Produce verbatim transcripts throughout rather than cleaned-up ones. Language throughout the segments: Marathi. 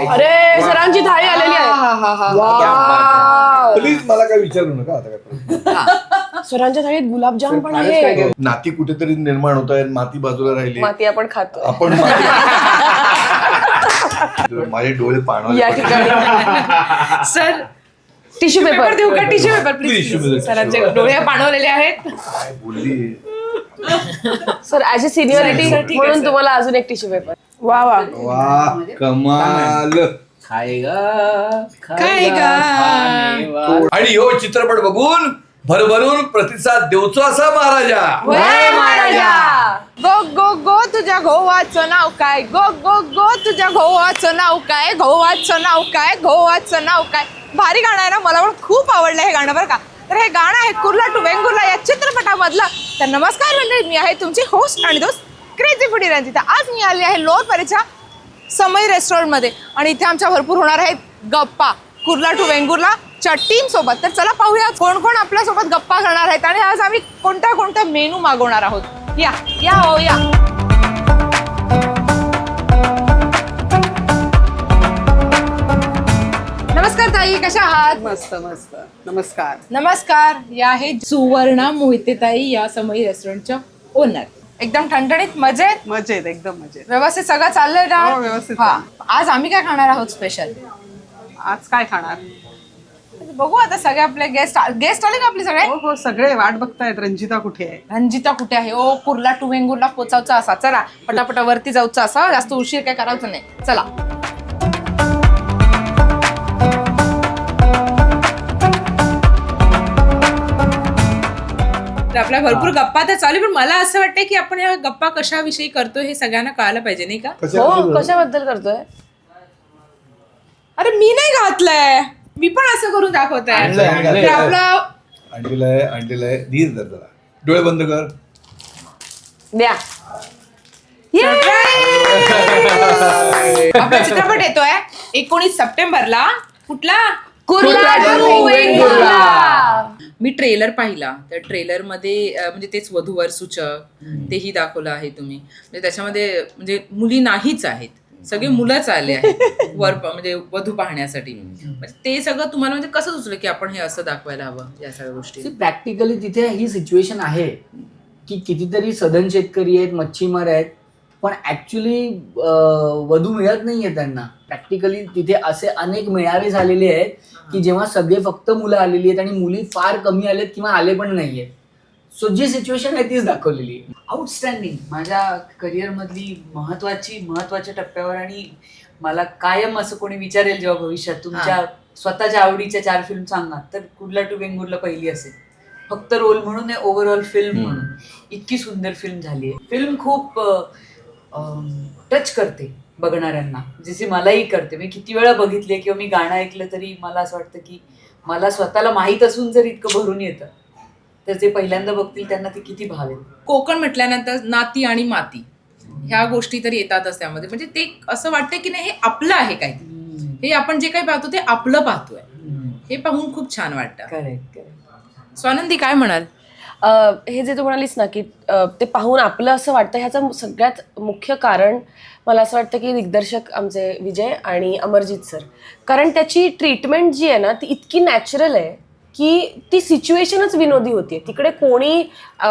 अरे सरांची थाळी आलेली आहे. प्लीज मला काय विचारू नका आता काय. सरांच्या थाळीत गुलाबजाम पण आहे. नाती कुठेतरी निर्माण होत आहे, माती बाजूला राहिली, माती आपण खातो आपण माझे डोळे पाणवले या ठिकाणी. सर टिश्यू पेपर देऊ का? Tissue paper please. सरांचे डोळे पाणवलेले आहेत. काय बोलली सर ऍज अ सिनियरिटी म्हणून तुम्हाला अजून एक टिश्यू पेपर. वा वा वा कमाल. काय गा आणि हो चित्रपट बघून भरभरून प्रतिसाद देऊचो असा महाराजा. महाराजा. गो गो गो तुझ्या गोवाचं नाव काय? गो गो गो तुझ्या गोवाचं नाव काय? गोवाचं नाव काय? गोवाचं नाव काय? भारी गाणं आहे ना, मला पण खूप आवडलं हे गाणं बरं का. तर हे गाणं आहे कुर्ला टू वेंगुर्ला या चित्रपटामधलं. तर नमस्कार मंडळी, मी आहे तुमची होस्ट आणि दोस्त क्रेझी फूडी रंजिता. आज मी आली आहे लोअरपरीच्या समय रेस्टॉरंटमध्ये आणि इथे आमच्या भरपूर होणार आहेत गप्पा कुर्ला टू वेंगुर्ला च्या टीम सोबत. तर चला पाहूया कोण कोण आपल्या सोबत गप्पा करणार आहेत आणि आज आम्ही कोणत्या कोणत्या मेनू मागवणार आहोत. या या हो या. नमस्कार ताई, कशा आहात? मस्त मस्त. नमस्कार. नमस्कार. या आहेत सुवर्णा मोहिते ताई, या समय रेस्टॉरंटच्या ओनर. एकदम ठणठणीत मजेत मजेत, एकदम मजेत. व्यवस्थित सगळं चाललंय ना? हो, व्यवस्थित हा. आज आम्ही काय खाणार आहोत स्पेशल? आज काय खाणार? बघू आता, सगळे आपले गेस्ट गेस्ट आले का आपले सगळे? हो हो, सगळे वाट बघतायत. रंजिता कुठे आहे? रंजिता कुठे आहे? ओ कुर्ला टू वेंगुर्ला पोचावचा असा. चला पटापटा वरती जाऊचा असा, जास्त उशीर काय करायचं नाही. चला. तर आपल्या भरपूर गप्पा तर चालू, पण मला असं वाटतं की आपण या गप्पा कशाविषयी करतोय हे सगळ्यांना कळायला पाहिजे, नाही का? हो, कशाबद्दल करतोय? अरे मी नाही घातलंय, मी पण असं करून दाखवत आहे. तर आपलं आणलेलं आहे आणलेलं आहे. धीर धर जरा, डोळे बंद कर. द्या. आपला चित्रपट येतोय एकोणीस सप्टेंबरला. कुठला? कुर्ला टू वेंगुर्ला. मी ट्रेलर पाहिला. त्या ट्रेलर मध्ये अं, म्हणजे तेच वधूवर सूचक तेही दाखवलं आहे तुम्ही. म्हणजे त्याच्यामध्ये म्हणजे मुली नाहीच आहेत, सगळे मुलंच आले आहेत वर म्हणजे वधू पाहण्यासाठी. म्हणजे ते सगळं तुम्हाला म्हणजे कसं सुचलं की आपण हे असं दाखवायला हवं या सगळ्या गोष्टी? प्रॅक्टिकली तिथे ही सिच्युएशन आहे की कितीतरी सधन शेतकरी आहेत, मच्छीमार आहेत, पण ऍक्च्युली वधू मिळत नाहीये त्यांना. प्रॅक्टिकली तिथे असे अनेक मेळावे झालेले आहेत की जेव्हा सगळे फक्त मुलं आलेली आहेत आणि मुली फार कमी आलेत किंवा आले पण नाहीये. सो जी सिच्युएशन आहे तीच दाखवलेली आहे. आउटस्टँडिंग. माझ्या करिअरमधली महत्वाची महत्वाच्या टप्प्यावर, आणि मला कायम असं कोणी विचारेल जेव्हा भविष्यात तुमच्या स्वतःच्या आवडीच्या चार फिल्म सांगा, तर कुर्ला टू वेंगुर्ला पहिली असेल. फक्त रोल म्हणून आहे, ओव्हरऑल फिल्म म्हणून इतकी सुंदर फिल्म झाली आहे. फिल्म खूप टच करते बघणाऱ्यांना, जशी मलाही करते. मी किती वेळा बघितली किंवा मी गाणं ऐकलं तरी मला असं वाटतं की मला स्वतःला माहीत असून जर इतकं भरून येतं तर जे पहिल्यांदा बघतील त्यांना ते किती भावेल. कोकण म्हटल्यानंतर नाती आणि माती ह्या गोष्टी तर येतातच त्यामध्ये. म्हणजे ते असं वाटतं की नाही हे आपलं आहे काहीतरी, हे आपण जे काही पाहतो ते आपलं पाहतोय, हे पाहून खूप छान वाटतं. Correct correct. स्वानंदी काय म्हणाल? हे जे तू म्हणालीस ना की ते पाहून आपलं असं वाटतं, ह्याचं सगळ्यात मुख्य कारण मला असं वाटतं की दिग्दर्शक आमचे विजय आणि अमरजित सर. कारण त्याची ट्रीटमेंट जी आहे ना ती इतकी नॅचरल आहे की ती सिच्युएशनच विनोदी होतीये. तिकडे कोणी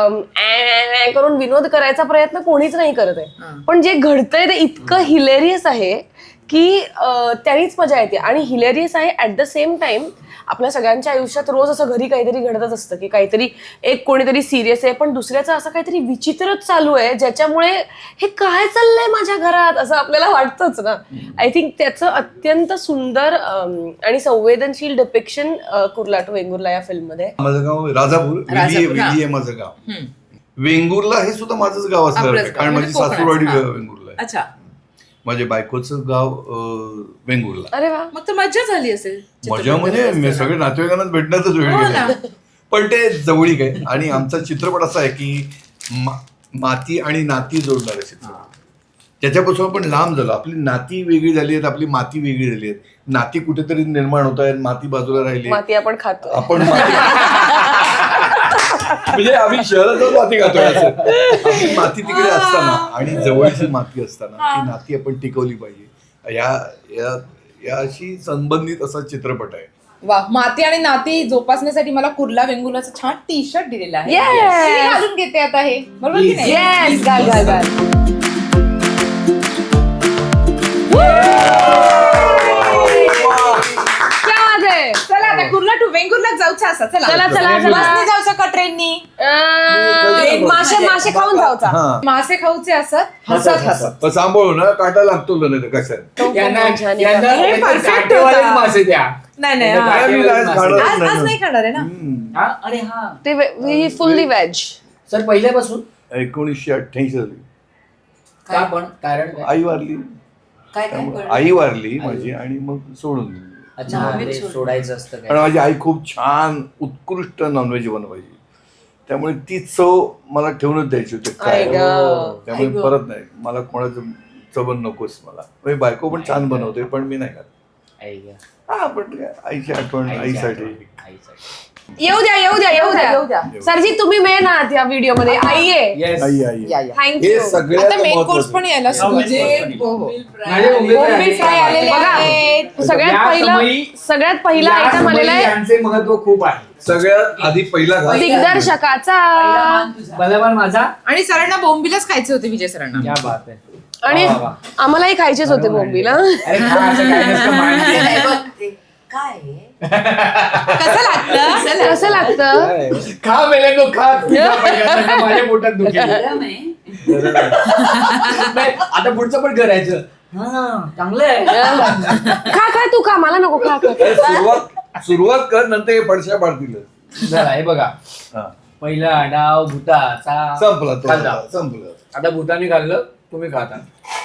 करून विनोद करायचा प्रयत्न कोणीच नाही करत आहे, पण जे घडतंय ते इतकं हिलेरियस आहे की त्यानीच मजा येते. आणि हिलेरियस आहे ॲट द सेम टाइम. आपल्या सगळ्यांच्या आयुष्यात रोज असं घरी काहीतरी घडतच असतं की काहीतरी एक कोणीतरी सिरियस आहे, पण दुसऱ्याचं असं काहीतरी विचित्रच चालू आहे ज्याच्यामुळे हे काय चाललंय माझ्या घरात असं आपल्याला वाटतंच ना. आय थिंक त्याचं अत्यंत सुंदर आणि संवेदनशील डिपिक्शन कुर्ला टू वेंगुर्ला या फिल्म मध्ये. माझं गाव राजापूर, वेली आहे माझं गाव. वेंगुर्ला हे सुद्धा माझंच गाव असलं, कारण माझी सासूरवाडी वेंगुर्ला आहे. अच्छा. माझ्या बायकोचं गाव वेंगुर्ला. अरे वा, मग तर मजा झाली असेल. मजा म्हणजे सगळे नातेवाईकांनाच भेटण्यातच वेळ गेला, पण ते जवळीक आहे. आणि आमचा चित्रपट असा आहे की माती आणि नाती जोडणारे चित्रपट. त्याच्यापासून आपण लांब झालो. आपली नाती वेगळी झाली आहेत, आपली माती वेगळी झाली आहेत. नाती कुठेतरी निर्माण होत आहेत, माती बाजूला राहिली, माती आपण खातो. आपण म्हणजे आम्ही शहरात जाऊन माती खातोय असं. आपली माती तिकडे असताना आणि जवळची माती असताना ती नाती आपण टिकवली पाहिजे. या याशी संबंधित असा चित्रपट आहे. वा, माती आणि नाती जोपासण्यासाठी मला कुर्ला वेंगुर्लाचं छान टी शर्ट दिलेलं आहे. Yes. मी घालून घेते आता हे, बरोबर की नाही? येस घाल घाल घाल. क्या बात आहे. चला आता कुर्ला टू वेंगुर्ला जाऊचं असं. चला चला चला बसने चला. जाऊचं का ट्रेननी? अं, मासे मासे खाऊन जाऊचा. हा मासे खाऊचे असत हसत हसत. पण सांभाळू ना, काटा लागतो नाही तर कशात. यांना छान आहे. यांना हे यांना perfect काटेवालेच होता. मासे द्या. नाही नाही, यांना हा. काय मी काटेवालेच आज मासे द्या. खाणार आज आज नाही खाणार आहे ना. हम्म. हा, अरे हा ते फुल्ली व्हेज. सर पहिल्यापासून एकोणीसशे अठ्ठ्याऐंशी झाली. का पण कारण काय? आई वारली, काय काय त्यामुळे कळलं? आई वारली माझी आणि मग सोडून दिली. अच्छा हा, ते सोडायचं असतं कारण काय. माझी आई खूप छान उत्कृष्ट नॉनव्हेज बनवायची, त्यामुळे ती चव मला ठेवूनच द्यायची होती काय. आई गं. त्यामुळे आई गं. परत नाही, मला कोणाचं चवण नकोच मला. म्हणजे बायको पण छान बनवते पण मी नाही खात. आई गं. हा पण काय, आईची आठवण आईची आईसाठी. आठवण, आईसाठी. येऊ द्या येऊ द्या येऊ येऊ द्या. द्या. सरजी तुम्ही मेन आहात या व्हिडिओ मध्ये. आई आहे. Yes. आई आई या, या. थँक्यू. हे आता सगळ्यात मेन कोर्स महत्त्वाचं. पण यायला सुरू म्हणजे आहे. हो, हो. माझे मुंबई बोंबील फ्राय आलेले बघा. आहेत. सगळ्यात या पहिलं समयी- सगळ्यात पहिला या आयटम आलेला समयी आहे यांचे महत्व खूप आहे. सगळ्यात आधी पहिला घास. दिग्दर्शकाचा. बलवान माझा आणि सरांना बोंबीलच खायचे होते विजय सरांना. क्या बात आहे. आणि वा, वा. आम्हालाही खायचेच होते बोंबीला. अरे खा, असं काय नसतं मांडते. नाही, बघ ते काय आहे? कसं लागतं? कसं लागतं. खा मेले तो खा. तुम्ही खा पहिल्यांदा, नाही माझ्या पोटात दुखेल. गरम आहे. नाही, आता पुढचं पण करायचं. हा चांगलं आहे. खा खा तू खा, मला नको. खा खा. सुरुवात सुरुवात कर, नंतर हे पडशा पाडतील. जरा हे बघा, हा. पहिला डाव भूताचा संपला तो, खाल्ला. संपलं. आता भूतानी खाल्लं, तुम्ही खाता.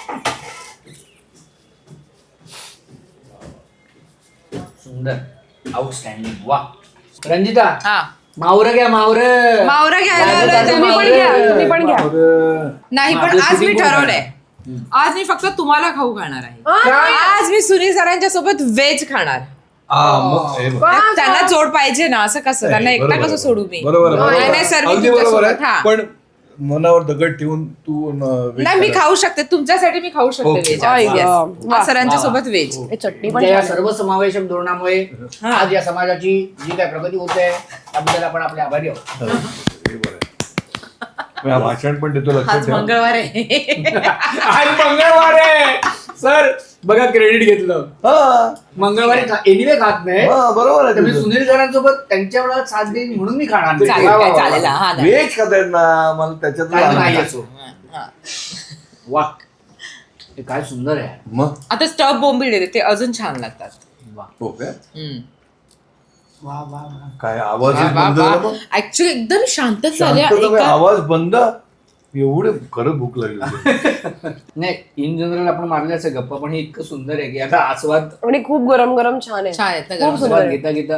सुंदर, आउटस्टँडिंग. वा रंजिता, हा, मावरं घ्या मावरं. मावरा घ्यायला दादा, आलोय दादा, तुम्ही तुम्ही पण पण घ्या घ्या. तुम्ही पण घ्या. नाही, पण आपलं आज मी shooting कोण ठरवलंय, करणार? आज मी फक्त तुम्हाला खाऊ खाणार आहे. हा, आज मी सुनील सरांच्या सोबत व्हेज खाणार. हा, मग हे बघ. का? त्यांना जोड पाहिजे ना, असं कसं त्यांना नाही, एकटा बरोबर कसं आहे. सोडू मी? बरोबर आहे, बरोबर नाही आहे. नाही सर, मी अगदी बरोबर तुमच्यासोबत. आहे. हा. पण मनावर दगड ठेवून तू न- वेग नाही, मी करा. खाऊ शकते तुमच्यासाठी, मी खाऊ शकते ओके. व्हेज. आई आज. गं. Yes. आज सरांच्या वा. सोबत व्हेज. हे चटणी पण तुमच्या या छान आहे. सर्व समावेशक धोरणामुळे हा. आज या समाजाची जी काय प्रगती होते त्याबद्दल आपण आपले आभारी आहोत. हो, हे बरं आहे. मी हा भाषण पण देतो, लक्षात आज ठेवा. मंगळवार आहे. आज मंगळवार आहे सर, बघा क्रेडिट घेतलं. हा, मंगळवारी एनिवे खात नाही, हा, बरोबर आहे तर मी तुझं. सुनील सरांसोबत त्यांच्या वेळात साथ देईन म्हणून मी खाणार नाही. चालेल वा, वा, काय, वा, वा. चालेल. हा नाही. व्हेज खातायत ना, मला त्याच्यात काय नाही आनंद. असो. हा. वा, हे काय सुंदर आहे. मग आता स्टफ बोंबील देते, ते अजून छान लागतात. वा हो काय, हम्म. वा वा वा. काय आवाज बंद झाला मग? ऍक्च्युली एकदम शांतच झाले. शांतता बाई, एका- आवाज बंद. एवढे खरं भूक लागली. नाही, इन जनरल आपण मारले असे गप्पा, पण हे इतकं सुंदर आहे की आता आस्वाद आणि खूप गरम गरम छान आहे. छान आहेत ना खूप गरम. सुंदर आस्वाद आहे. घेता घेता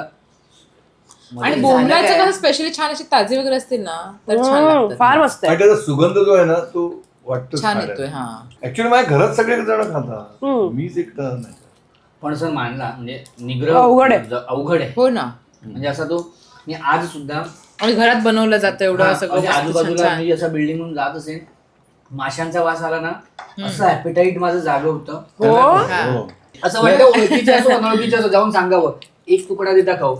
आणि बोंबलाचं कसं स्पेशली छान असे ताजे वगैरे असतील ना, तर छान हम्म, लागतात. फार मस्त आहे. आणि त्याचा सुगंध जो आहे ना, तो वाटतो छान येतोय. हा, ऍक्च्युली माझ्या घरात सगळे जण खातात, हम्म. मीच एकटा नाही. पण सर मानला म्हणजे निग्रह अवघड आहे. ज- अवघड आहे. हो ना. म्हणजे असा तो मी आज सुद्धा आणि घरात बनवलं जातं एवढं हा, सगळं म्हणजे मस्त छान आजूबाजूला छान. मी जसा बिल्डिंग म्हणून जात असेल, माशांचा वास आला ना, असं ऍपेटाईट माझं जागं होतं. हो हो. असं वाटतं ओळखीचे असो अनोळखीचे असो जाऊन सांगावं एक तुकडा देता खाऊ.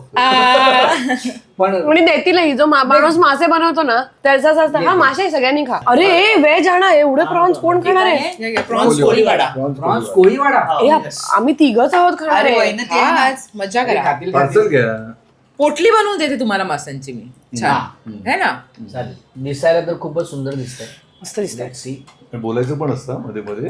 पण आणि देतीलही. जो मा- माणूस मासे बनवतो ना त्याचाच असतं, हा मासे सगळ्यांनी खा. अरे व्हेज आणा, एवढे प्रॉन्स कोण खाणार आहे. या, या, prawns Koliwada. Prawns prawns Koliwada ए, आप- आम्ही तिघच आहोत खाणार अरे आहे. वय ना ते आहे ना. आज मजा अरे करा. खातील पार्सल खातील. घ्या. पोटली बनवून देते तुम्हाला मासांची मी. छान है ना. चालेल. दिसायला तर खूपच सुंदर दिसतंय. मस्त दिसतंय. Let's see. बोलायचं पण असतं मध्ये मध्ये.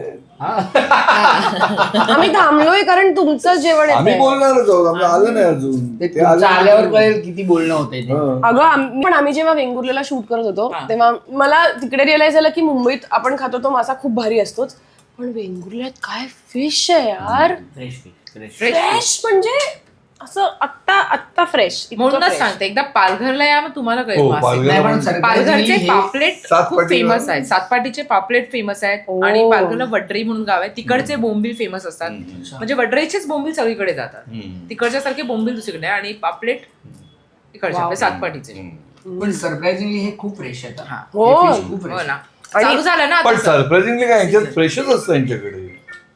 आम्ही थांबलोय कारण तुमचं जेवण आम्ही येतंय. बोलणारच आहोत, आम्ही आलं नाही अजून. ते ते आलं तुमचं नाही. आल्यावर कळेल किती बोलणं होतंय ते. हा. अगं आम्ही- पण आम्ही जेव्हा वेंगुर्लेला शूट करत होतो तेव्हा मला तिकडे रिअलाइज झालं की मुंबईत आपण खातो तो मासा खूप भारी असतोच, पण वेंगुर्ल्यात काय फिश आहे यार. फ्रेश फ्रेश फ्रेश म्हणजे असं आत्ता आत्ता फ्रेश. म्हणूनच सांगते, एकदा पालघरला या, मग तुम्हाला कळेल हो, मासे. पालघरला नाही, पण पण- सर- पालघरचे हे- पापलेट खूप सातपाटीला- फेमस आहेत. सातपाटीचे पापलेट फेमस आहेत ओ. आणि पालघरला वड्रई म्हणून गाव आहे, तिकडचे बोंबील फेमस असतात. म्हणजे वड्रईचेच बोंबील सगळीकडे जातात. हम्म. तिकडच्या सारखे बोंबील दुसरीकडे आणि पापलेट इकडचे आपले सातपाटीचे. पण सरप्राइझिंगली हे खूप फ्रेश आहेत. हा. हो हे fish खूप हो फ्रेश. ना. चालू झालं ना पण आता. सरप्राइझिंगली काय यांच्यात फ्रेशच असतं यांच्याकडे.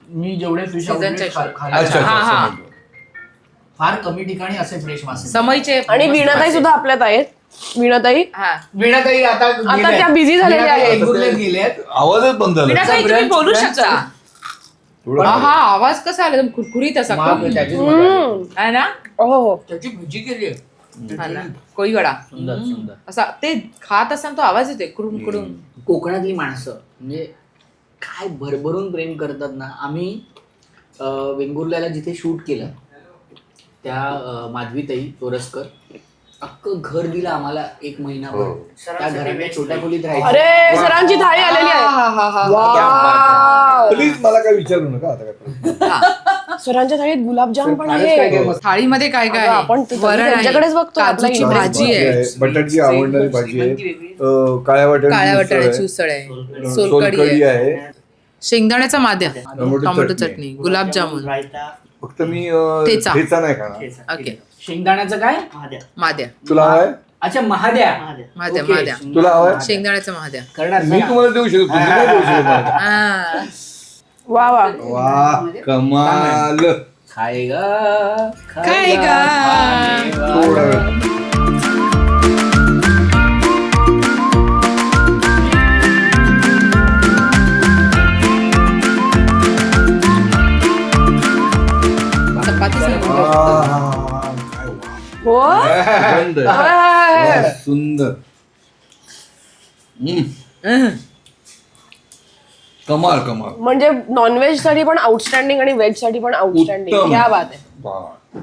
मी जेवढे फिश Seasonच्या अच्छा हा, अच्छा हा. समजलं. फार कमी ठिकाणी असे फ्रेश मासे. समईचे आणि वीणाताई सुद्धा आपल्यात आहेत. वीणाताई हा वीणाताई आता आता त्या busy झालेल्या आहेत. वेंगुर्ल्यात गेल्यात. आवाजच बंद झाला वीणाताई तुम्ही brunch- बोलू brunch शकता. थोडं हा हा, आवाज कसा आला एकदम कुरकुरीत असा मग त्याचीच मजा आली. हम्म. आहे ना हो हो त्याची भजी केली आहे. हा ना कोळी वडा सुंदर सुंदर. असा ते खात असताना तो आवाज येतोय कुडून कुडून. कोकणातली माणसं म्हणजे काय भरभरून प्रेम करतात ना. आम्ही अं, वेंगुर्ल्याला जिथे शूट केलं त्या अं, माधवीताई तोरसकर अख्खं घर दिलं आम्हाला एक महिनाभर. हो. त्या घराच्या छोट्या खोलीत राहायचं. अरे सरांची थाळी आलेली आहे. वाव. प्लीज मला काय विचारू नका आता काय. सरांच्या थाळीत गुलाबजाम पण फारच काय काय आहे. मस्त. थाळीमध्ये काय काय अगं, आहे? आपण ते- वरण आहे, त्यांच्याकडेच बघतो आपला काजूची इकडे. भाजी आहे, बटाट्याची आवडणारी भाजी आहे अं, काळ्या वाटाण्याची काळ्या उसळ आहे, वाटाण्याची उसळ आहे, सोलकढी सोलकढी आहे, आहे. शेंगदाण्याचा माद्या, टोमॅटो टोमॅटो चटणी. चटणी, गुलाबजामुन, फक्त मी अं, ठेचा. ठेचा नाही खाणार. ओके शेंगदाण्याचं काय? माद्या तुला हवाय अच्छा महाद्या. माद्या ओके, माद्या तुला हवाय? शेंगदाण्याचा महाद्या. करणार मी तुम्हाला देऊ शकतो तुम्ही नाही देऊ शकत मला. हा. वा वा. वा कमाल. खायगा खाएगा. थोडा वेळ. चपातीच नाही. आहा, काय वा. हो सुगंध. आहे. वा, सुंदर. हम्म, अहं. कमाल कमाल. म्हणजे नॉनव्हेज साठी पण आउटस्टँडिंग आणि व्हेज साठी पण आउटस्टँडिंग. उत्तम. क्या बात आहे. वा.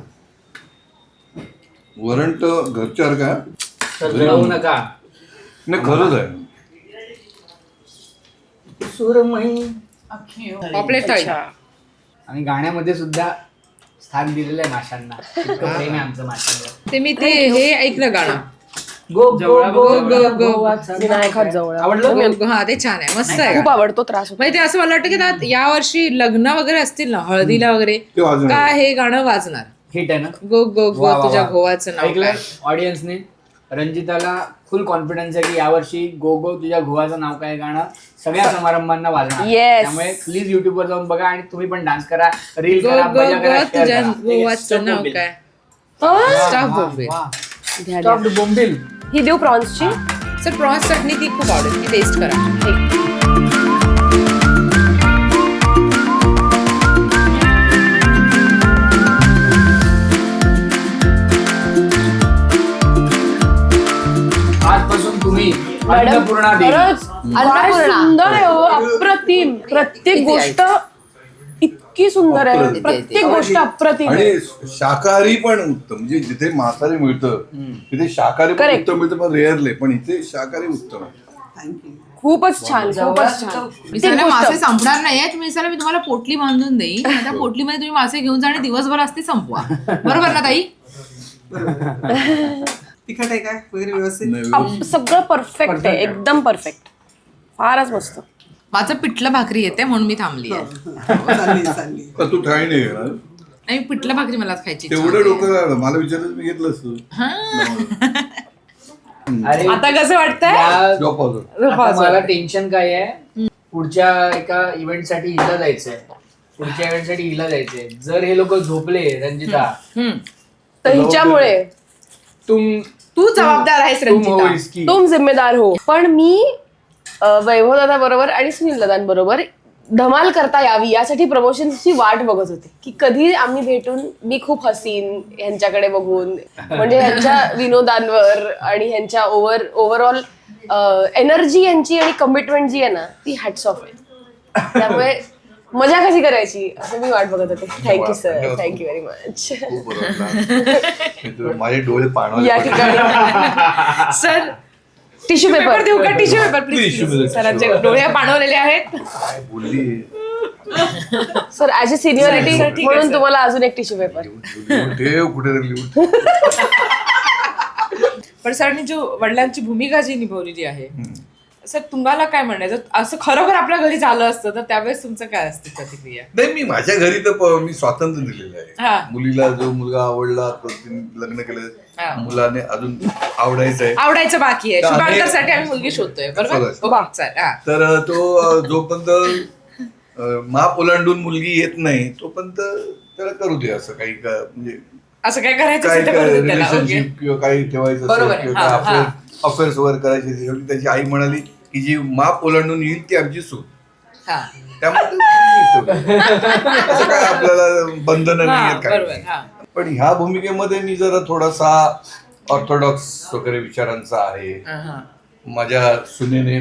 वरण तर घरच्यासारखं आहे. तर जळवू नका. नाही खरंच आहे. सुरमई पॉपलेट थाळी. आणि गाण्यामध्ये सुद्धा स्थान दिलेलं आहे माशांना. इतकं प्रेम आहे आमचं माशांवर. ते मी ते हे ऐकलं गाणं. गो गो गो गो, गो, गो. गोवाचा विनायकात जवळ आवडलं? गो- गो- हा ते छान आहे, मस्त आहे. खूप आवडतो. त्रास होतो. म्हणजे ते असं मला वाटतं की त्यात या वर्षी लग्न वगैरे असतील ना हळदीला वगैरे ते वाजणार. का हे गाणं वाजणार. हिट आहे ना. गो गो गो वा, वा, तुझ्या वा. गोवाचं नाव ऐकलं काय. ऑडियन्सने रंजिताला फुल कॉन्फिडन्स आहे की यावर्षी गो गो तुझ्या गोवाचं नाव काय गाणं सगळ्या समारंभांना वाजणार. Yes. त्यामुळे प्लीज युट्यूब वर जाऊन बघा आणि तुम्ही पण डान्स करा, रील गो करा, गो मजा गो करा, तुझ्या share करा. गोवाचं नाव काय. हा? स्टाफ बोंबे. घ्या, घ्या. Stuffed बोंबील. ही देऊ प्रॉन्सची. सर प्रॉन्स चटणी ती खूप आवडेल, ती टेस्ट करा. आजपासून तुम्ही मॅडम अन्नपूर्णा देवी. खरंच काय सुंदर आहे हो. अप्रतिम. प्रत्येक गोष्ट इतकी सुंदर आहे. अप्रतिम. प्रत्येक गोष्ट अप्रतिम आहे. आणि शाकाहारी पण उत्तम. म्हणजे जिथे मांसाहारी मिळतं तिथे शाकाहारी पण Correct. उत्तम मिळतं, पण रेअरले. पण इथे शाकाहारी उत्तम आहे. थँक्यू. खूपच छान. खूपच छान. प्रत्येक मिसाला मासे गोष्ट. संपणार नाहीये. मिसाला मी तुम्हाला पोटली बांधून देईन. त्या पोटलीमध्ये तुम्ही मासे घेऊन जा आणि दिवसभर असते संपवा. बरोबर ना ताई. तिखट आहे काय वगैरे व्यवस्थित. नाही, अप- सगळं परफेक्ट आहे. एकदम परफेक्ट. फारच मस्त. माझं पिठलं भाकरी येते म्हणून मी थांबली आहे. चालली चालली. का तू ठाई नाही घेणार? नाही पिठलं भाकरी मला खायची इच्छा तेवढं होती. डोकं लागलं. मला विचारलं मी घेतलं असतं. हा. अरे आता कसं वाटतंय. या- Drop out. आता मला टेन्शन काय आहे, पुढच्या एका इव्हेंट साठी हिला जायचंय. पुढच्या इव्हेंट साठी हिला जायचंय. जर हे लोक झोपले रंजिता हम्म. तर हिच्यामुळे तुम तू जबाबदार आहेस तुम हो रंजिता. इसकी. तुम जिम्मेदार हो. पण मी वैभव दादा बरोबर आणि सुनील दादांबरोबर धमाल करता यावी यासाठी प्रमोशनची वाट बघत होते की कधी आम्ही भेटून मी खूप हसीन ह्यांच्याकडे बघून. म्हणजे ह्यांच्या विनोदांवर आणि ह्यांच्या ओव्हर ओव्हरऑल एनर्जी यांची आणि कमिटमेंट जी आहे ना ती हॅट्स ऑफ आहे. त्यामुळे मजा कशी करायची असं मी वाट बघत होते. Thank you sir. Thank you very much. खूप बरं वाटलं. माझे डोळे पाणवले. या ठिकाणी सर टिश्यू पेपर पेपर देऊ का. Tissue paper Tissue please. paper. सरांचे डोळे पाणवलेले आहेत. काय बोलली. सर ऍज अ सिनियरिटी ठीक आहे, म्हणून सर. तुम्हाला अजून एक टिश्यू पेपर. लिहून ठेव कुठेतरी लिहून. पण सरांनी जो वडिलांची भूमिका जी निभावलेली आहे सर तुम्हाला काय म्हणायचं असं खरोखर आपल्या घरी झालं असतं तर त्यावेळेस तुमचं काय असते प्रतिक्रिया. नाही मी माझ्या घरी तर प- मी स्वातंत्र्य दिलेलं हा. आहे. मुलीला जो मुलगा आवडला तो तिने लग्न हा. केलं. मुलाने अजून आवडायचं आहे. आवडायचं बाकी आहे. तर आम्ही- शुभांकर साठी आम्ही मुलगी शोधतोय बरोबर. शोधायचं. ओके, चल, हा. तर तो अ, जोपर्यंत अं, माप ओलांडून मुलगी येत नाही तोपर्यंत त्याला करू दे असं काही का म्हणजे असं काय करायचं काय असेल तर काय करू दे त्याला. Relationship okay. किंवा काही ठेवायचं बरोबर असेल आहे. किंवा हा, काय हा. अफेअर्स वगैरे करायची असेल, शेवटी त्याची आई म्हणाली की जी माप ओलांडून येईल ती आमची सून हा. त्यामुळे ते असं काय आपल्याला बंधन हा, नाही आहेत बरोबर काय हा. पण ह्या भूमिकेमध्ये मी जरा थोडासा ऑर्थोडॉक्स वगैरे विचारांचा आहे. हा, हा. माझ्या सुनेने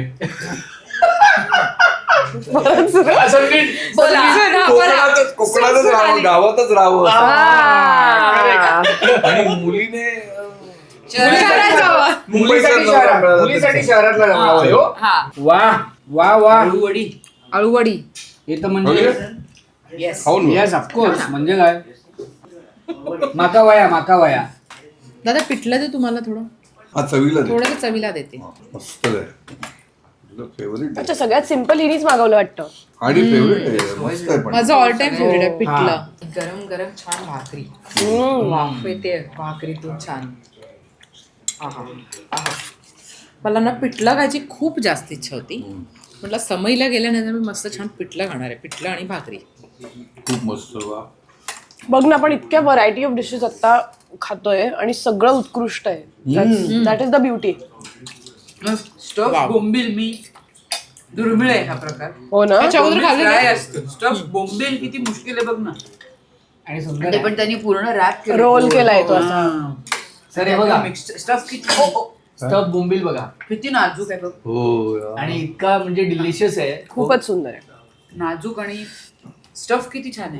असं नीट- बोला. कोकणातच कोकणातच राहावं गावातच राहावं आ. आणि मुलीने अं, शहरात जावं. मुलीसाठी मुंबईचा नवरा शहरात मिळाला मुलीसाठी तर शहरातला नवरा होय हो. हा. वा वा वा अळूवडी अळूवडी. हे तर म्हणजे येस खाऊन बघ. येस ऑफकोर्स म्हणजे काय माका वया माका वया दादा पिठलं दे तुम्हाला थोडं हा चवीला दे. थोडं चवीला देते. मस्त आहे तुझं फेवरेट अच्छा सगळ्यात सिम्पल हिनीच मागवलं वाटतं. आणि फेवरेट आहे मस्त आहे पण माझं ऑल टाइम फेवरेट आहे पिठलं. हा. गरम गरम छान भाकरी हम्म. वाफ येते भाकरीतून छान आहा आहा मला ना पिठलं खायची खूप जास्त इच्छा होती. म्हटलं समईला गेल्यानंतर मी मस्त छान पिठलं खाणार आहे. पिठलं आणि भाकरी. खूप मस्त वा बघ ना आपण इतक्या व्हरायटी ऑफ डिशेस आता खातोय आणि सगळं उत्कृष्ट आहे. That is the beauty. Stuffed बोंबील मी दुर्मिळ आहे हा प्रकार हो ना. अच्छा, अगोदर खाल्लं फ्राय का? असतं स्टफ बोंबील किती मुश्किल आहे बघ ना आणि सुंदर ते पण त्यांनी पूर्ण रॅप रोल केलाय तो असा. सर हे बघा स्टफ किती ओ, ओ, स्टफ बोंबील बघा किती नाजूक आहे बघ हो यार. आणि इतका म्हणजे डिलिशियस आहे खूपच सुंदर आहे. नाजूक आणि स्टफ किती छान आहे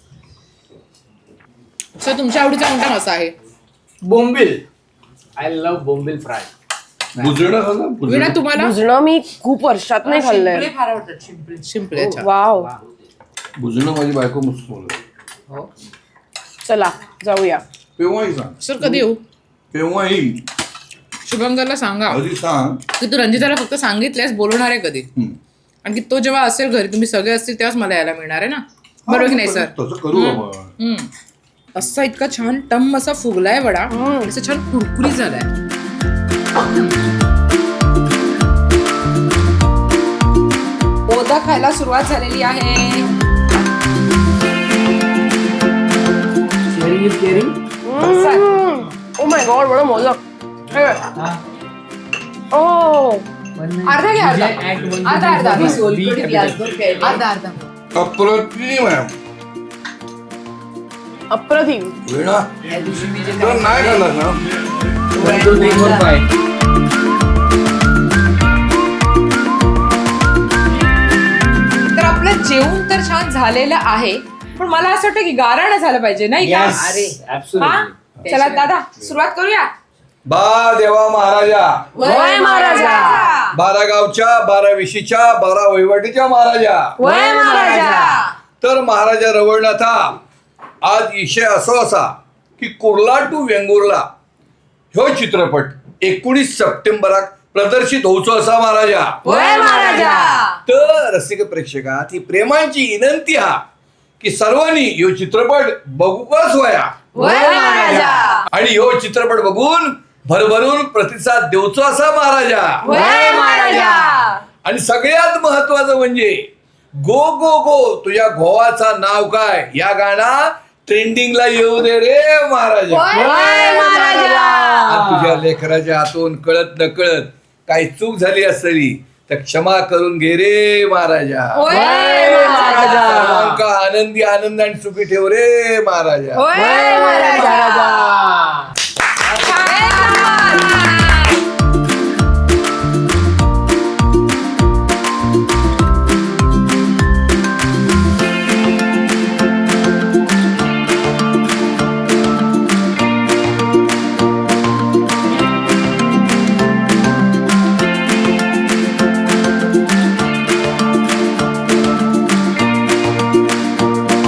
सर तुमच्या आवडीचा कोणता मासा आहे? बोंबील आय लव्ह बोंबील फ्राय भुजणं खाल्लं? विना भुजणं? तुम्हाला भुजणं मी खूप वर्षात नाही खाल्लंय. शिंपले फार आवडतात शिंपले शिंपले. अच्छा. वाव. भुजणं माझी बायको मस्त बोलत हो चला जाऊया. केव्हाही सांग सर कधी येऊ? केव्हाही शुभंकरला सांगा आधी सांग की तू रंजिताला फक्त सांगितल्यास बोलवणार आहे कधी. हम्म. आणि की तो जेव्हा असेल घरी तुम्ही सगळे असतील तेव्हाच मला यायला मिळणार आहे ना. बरोबर की नाही सर? तसं करू आपण हम्म. असा इतका छान टम असा फुगलाय वडा. असं छान कुरकुरीत झालाय. ओदा खायला सुरुवात झालेली आहे. Sharing is caring oh my god बडा मोदक. हे. ओ अर्धा घ्या, अर्धा. अर्धा, अर्धा. मी सोलकढी ग्लासभर प्यायली. अर्धा अर्धा. अप्रतिम आहे अप्रतिम. वेळा या दिवशी मी जे तर नाही खाल्लं ना तर आपलं जेवण तर छान झालेलं आहे पण मला असं वाटतं की गाराणं झालं पाहिजे नाही का? अरे. हा चला दादा सुरुवात करूया. बा देवा महाराजा वय महाराजा. बारा गावच्या बारा विशीच्या बारा वहिवाटीच्या महाराजा वय महाराजा. तर महाराजा रवळनाथा आज विषय असो असा की कुर्ला टू वेंगुर्ला ह्यो चित्रपट एकोणीस सप्टेंबराक प्रदर्शित होऊचो असा महाराजा. वय महाराजा. तर रसिक प्रेक्षकात ही प्रेमाची विनंती हा की सर्वांनी ह्यो चित्रपट बघूकच वया वय महाराजा. आणि ह्यो चित्रपट बघून भरभरून प्रतिसाद देऊचो असा महाराजा. वय महाराजा. आणि सगळ्यात महत्वाचं म्हणजे गो गो गो तुझ्या गोवाचा नाव काय या गाणं ट्रेंडिंगला येऊ दे रे महाराजा. वय महाराजा. आज तुझ्या लेकराच्या हातून कळत न कळत काही चूक झाली असली तर क्षमा करून घे रे महाराजा. वय महाराजा. सर्वांका आनंदी आनंद आणि सुखी ठेव रे महाराजा. वय महाराजा.